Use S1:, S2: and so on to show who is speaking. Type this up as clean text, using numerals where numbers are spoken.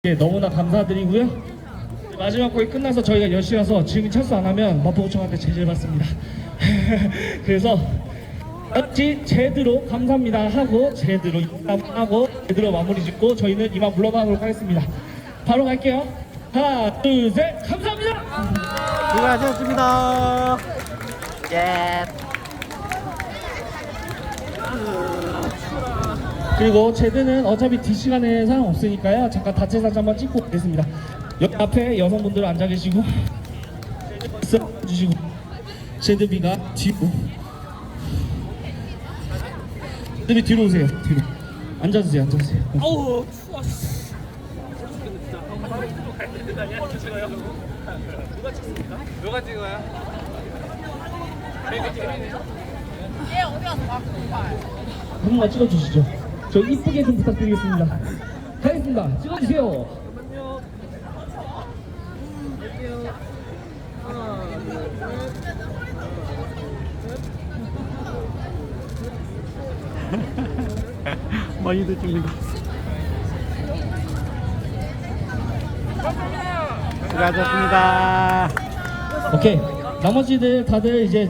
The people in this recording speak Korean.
S1: 너무나 감사드리고요. 마지막 거의 끝나서 저희가 10시라서 지금 철수 안 하면 마포구청한테 제재를 받습니다. 그래서 같이 제대로 감사합니다 하고 제대로 인사하고 제대로 마무리 짓고 저희는 이만 물러나도록 하겠습니다. 바로 갈게요. 하나 둘 셋 감사합니다.
S2: 수고하셨습니다. 예.
S1: 그리고 제드는 어차피 D시간에 사람 없으니까요. 잠깐 단체 사진 한번 찍고 오겠습니다. 옆 앞에 여성분들 앉아 계시고 주시고 제드비가 뒤로 제드비 뒤로 오세요. 뒤로 앉아주세요. 앉아주세요.
S3: 아우 추워. 누가 찍어요?
S4: 얘 어디 가서 바꾸발.
S1: 한 번만 찍어주시죠. 저 이쁘게 좀 부탁드리겠습니다. 가겠습니다. 찍어주세요.
S2: 많이들 찍는 거. 수고하셨습니다.
S1: 오케이. 나머지들 다들 이제